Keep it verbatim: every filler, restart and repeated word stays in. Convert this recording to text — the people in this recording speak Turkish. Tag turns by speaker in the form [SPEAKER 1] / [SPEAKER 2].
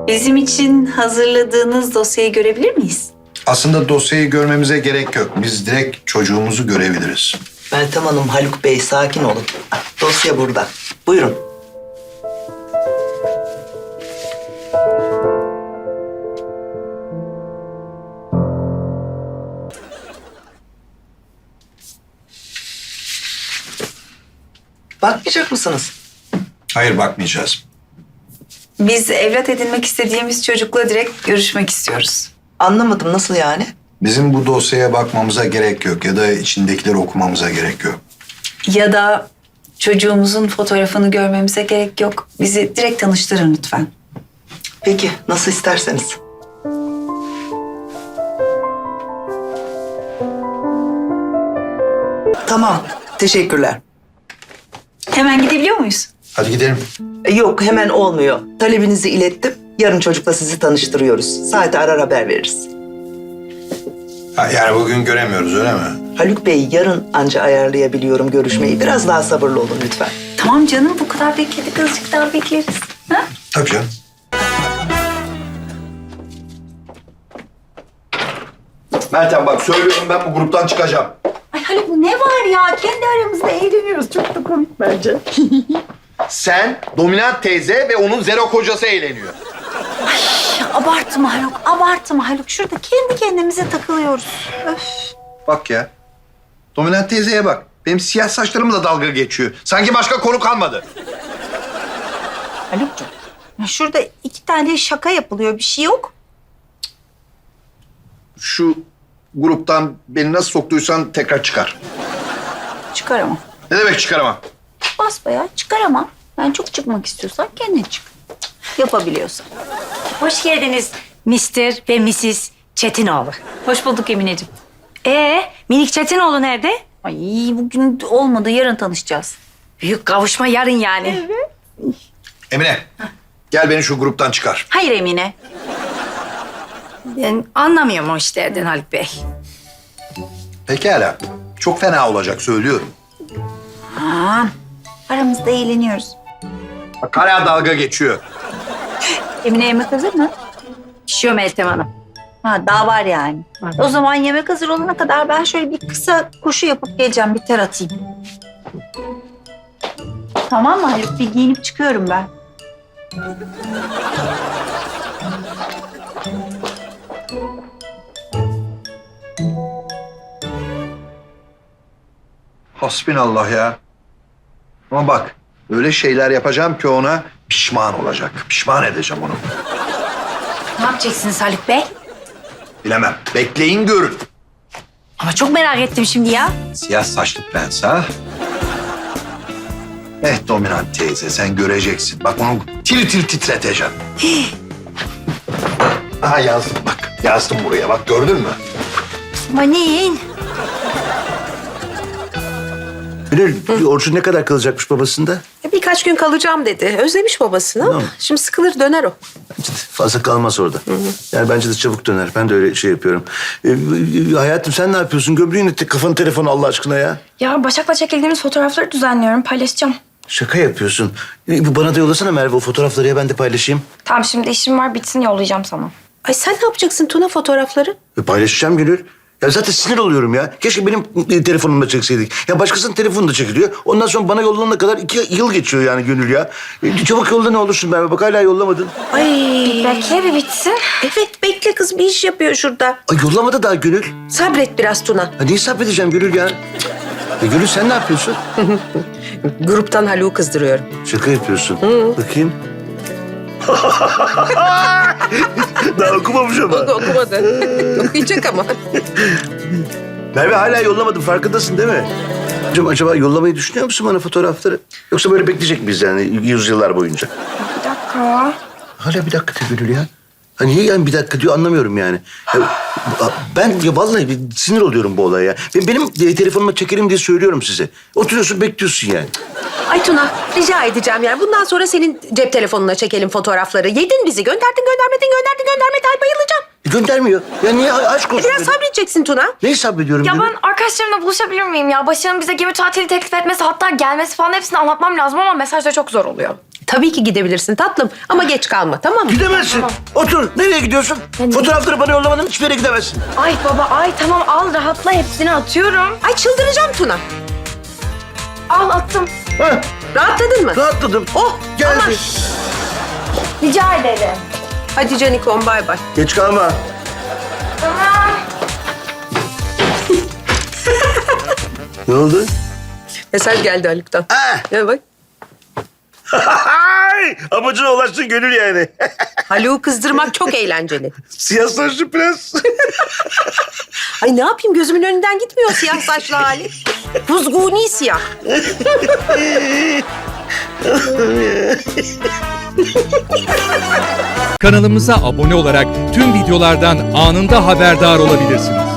[SPEAKER 1] Bizim için hazırladığınız dosyayı görebilir miyiz?
[SPEAKER 2] Aslında dosyayı görmemize gerek yok. Biz direkt çocuğumuzu görebiliriz.
[SPEAKER 3] Meltem Hanım, Haluk Bey sakin olun. Ah, dosya burada. Buyurun. Bakmayacak mısınız?
[SPEAKER 2] Hayır, bakmayacağız.
[SPEAKER 1] Biz evlat edinmek istediğimiz çocukla direkt görüşmek istiyoruz.
[SPEAKER 3] Anlamadım, nasıl yani?
[SPEAKER 2] Bizim bu dosyaya bakmamıza gerek yok ya da içindekileri okumamıza gerek yok.
[SPEAKER 1] Ya da çocuğumuzun fotoğrafını görmemize gerek yok. Bizi direkt tanıştırın lütfen.
[SPEAKER 3] Peki, nasıl isterseniz. Tamam, teşekkürler.
[SPEAKER 1] Hemen gidebiliyor muyuz?
[SPEAKER 2] Hadi gidelim.
[SPEAKER 3] E, Yok, hemen olmuyor. Talebinizi ilettim. Yarın çocukla sizi tanıştırıyoruz. Saate arar haber veririz.
[SPEAKER 2] Ha, yani bugün göremiyoruz, öyle mi?
[SPEAKER 3] Haluk Bey, yarın anca ayarlayabiliyorum görüşmeyi. Biraz daha sabırlı olun lütfen.
[SPEAKER 1] Tamam canım, bu kadar bekledik, azıcık daha bekleriz. Ha?
[SPEAKER 2] Tabii canım. Meltem bak, söylüyorum, ben bu gruptan çıkacağım.
[SPEAKER 1] Ay Haluk, bu ne var ya? Kendi aramızda eğleniyoruz. Çok da komik bence.
[SPEAKER 4] Sen, Dominant teyze ve onun zero kocası eğleniyor.
[SPEAKER 1] Abartma Haluk, abartma Haluk. Şurada kendi kendimize takılıyoruz. Öf.
[SPEAKER 4] Bak ya. Dominant teyzeye bak. Benim siyah saçlarımla dalga geçiyor. Sanki başka konu kalmadı.
[SPEAKER 1] Haluk'cum, ya şurada iki tane şaka yapılıyor, bir şey yok.
[SPEAKER 4] Şu gruptan beni nasıl soktuysan tekrar çıkar.
[SPEAKER 1] Çıkaramam.
[SPEAKER 4] Ne demek çıkaramam?
[SPEAKER 1] Basbayağı çıkaramam. Ben çok çıkmak istiyorsan kendin çık. Yapabiliyorsan.
[SPEAKER 5] Hoş geldiniz mister ve missis Çetinoğlu.
[SPEAKER 1] Hoş bulduk Emineciğim.
[SPEAKER 5] Ee, minik Çetinoğlu nerede?
[SPEAKER 1] Ay bugün olmadı, yarın tanışacağız.
[SPEAKER 5] Büyük kavuşma yarın yani.
[SPEAKER 2] Emine, gel beni şu gruptan çıkar.
[SPEAKER 1] Hayır Emine.
[SPEAKER 5] Ben anlamıyorum o işlerden Haluk Bey.
[SPEAKER 2] Pekala. Çok fena olacak, söylüyorum.
[SPEAKER 1] Aa, aramızda eğleniyoruz.
[SPEAKER 4] Bak hala dalga geçiyor.
[SPEAKER 1] Emine yemek hazır mı?
[SPEAKER 5] Pişiyor Meltem Hanım.
[SPEAKER 1] Ha, daha var yani. O zaman yemek hazır olana kadar ben şöyle bir kısa koşu yapıp geleceğim, bir ter atayım. Tamam mı Haluk? Bir giyinip çıkıyorum ben.
[SPEAKER 2] Hasbinallah ya. Ama bak, öyle şeyler yapacağım ki ona pişman olacak. Pişman edeceğim onu.
[SPEAKER 5] Ne yapacaksınız Haluk Bey?
[SPEAKER 2] Bilemem. Bekleyin görün.
[SPEAKER 5] Ama çok merak ettim şimdi ya.
[SPEAKER 2] Siyah saçlı prens ha? Eh Dominant teyze, sen göreceksin. Bak onu tir tir titreteceğim. Aha yazdım bak. Yazdım buraya, bak gördün mü?
[SPEAKER 5] Manin.
[SPEAKER 6] Gönül, Orçun ne kadar kalacakmış babasında?
[SPEAKER 7] Birkaç gün kalacağım dedi. Özlemiş babasını ama şimdi sıkılır döner o.
[SPEAKER 6] Bence de fazla kalmaz orada. Yani bence de çabuk döner. Ben de öyle şey yapıyorum. Ee, hayatım sen ne yapıyorsun? Gömleğin etti kafanı telefonu Allah aşkına ya.
[SPEAKER 8] Ya Başak'la çekildiğimiz fotoğrafları düzenliyorum, paylaşacağım.
[SPEAKER 6] Şaka yapıyorsun. Ee, bana da yollasana Merve o fotoğrafları ya ben de paylaşayım.
[SPEAKER 8] Tamam şimdi işim var, bitsin yollayacağım sana.
[SPEAKER 7] Ay sen ne yapacaksın Tuna fotoğrafları?
[SPEAKER 6] E, paylaşacağım Gönül. Ya zaten sinir oluyorum ya. Keşke benim e, telefonumla çekseydik. Ya başkasının telefonu da çekiliyor. Ondan sonra bana yollanana kadar iki yıl geçiyor yani Gönül ya. E, çabuk yolla ne olursun Merve. Bak hala yollamadın.
[SPEAKER 7] Ay.
[SPEAKER 8] Bekle bir bitsin.
[SPEAKER 7] Evet bekle kız bir iş yapıyor şurada.
[SPEAKER 6] Ay yollamadı daha Gönül.
[SPEAKER 7] Sabret biraz Tuna.
[SPEAKER 6] Ha, neyi sabredeceğim Gönül ya? E, Gönül sen ne yapıyorsun?
[SPEAKER 7] Gruptan Haluk'u kızdırıyorum.
[SPEAKER 6] Şaka yapıyorsun. Bakayım. Daha okumamış ama.
[SPEAKER 7] Onu okumadı. Okuyacak ama.
[SPEAKER 6] Merve hala yollamadım farkındasın değil mi? Acaba, acaba yollamayı düşünüyor musun bana fotoğrafları? Yoksa böyle bekleyecek miyiz yani yüzyıllar boyunca?
[SPEAKER 8] Bir dakika.
[SPEAKER 6] Hala bir dakika diyor Gönül ya. Ha niye yani bir dakika diyor anlamıyorum yani. Ya, ben ya vallahi bir sinir oluyorum bu olaya ya. Ben, benim e, telefonuma çekelim diye söylüyorum size. Oturuyorsun bekliyorsun yani.
[SPEAKER 7] Ay Tuna rica edeceğim yani. Bundan sonra senin cep telefonuna çekelim fotoğrafları. Yedin bizi. Gönderdin göndermedin gönderdin göndermedin. Ay bayılacağım.
[SPEAKER 6] E, göndermiyor. Ya niye aşk olsun?
[SPEAKER 7] Biraz sabredeceksin Tuna.
[SPEAKER 6] Neyi sabrediyorum
[SPEAKER 8] Ya
[SPEAKER 6] Gönül?
[SPEAKER 8] ben arkadaşlarımla buluşabilir miyim ya? Başak'ın bize gemi tatili teklif etmesi, hatta gelmesi falan hepsini anlatmam lazım ama mesajda çok zor oluyor.
[SPEAKER 7] Tabii ki gidebilirsin tatlım ama geç kalma, tamam mı?
[SPEAKER 6] Gidemezsin. Otur. Nereye gidiyorsun? Fotoğrafları bana yollamadın, hiçbir yere gidemezsin.
[SPEAKER 8] Ay baba ay tamam al rahatla hepsini atıyorum.
[SPEAKER 7] Ay çıldıracağım Tuna.
[SPEAKER 8] Al attım.
[SPEAKER 6] Ha,
[SPEAKER 7] Rahatladın mı?
[SPEAKER 6] rahatladım.
[SPEAKER 7] Oh
[SPEAKER 6] Geldi.
[SPEAKER 7] aman.
[SPEAKER 8] Rica ederim.
[SPEAKER 7] Hadi Canikom bay bay.
[SPEAKER 6] Geç kalma.
[SPEAKER 8] Tamam.
[SPEAKER 6] Ne oldu?
[SPEAKER 7] Mesaj geldi Haluk'tan.
[SPEAKER 6] Ha.
[SPEAKER 7] Ya bak.
[SPEAKER 6] Amacına ulaştın gönül yani.
[SPEAKER 7] Haluk'u kızdırmak çok eğlenceli.
[SPEAKER 6] Siyah saçlı prens.
[SPEAKER 7] Ay ne yapayım gözümün önünden gitmiyor siyah saçlı hali. Kuzguni siyah.
[SPEAKER 9] Kanalımıza abone olarak tüm videolardan anında haberdar olabilirsiniz.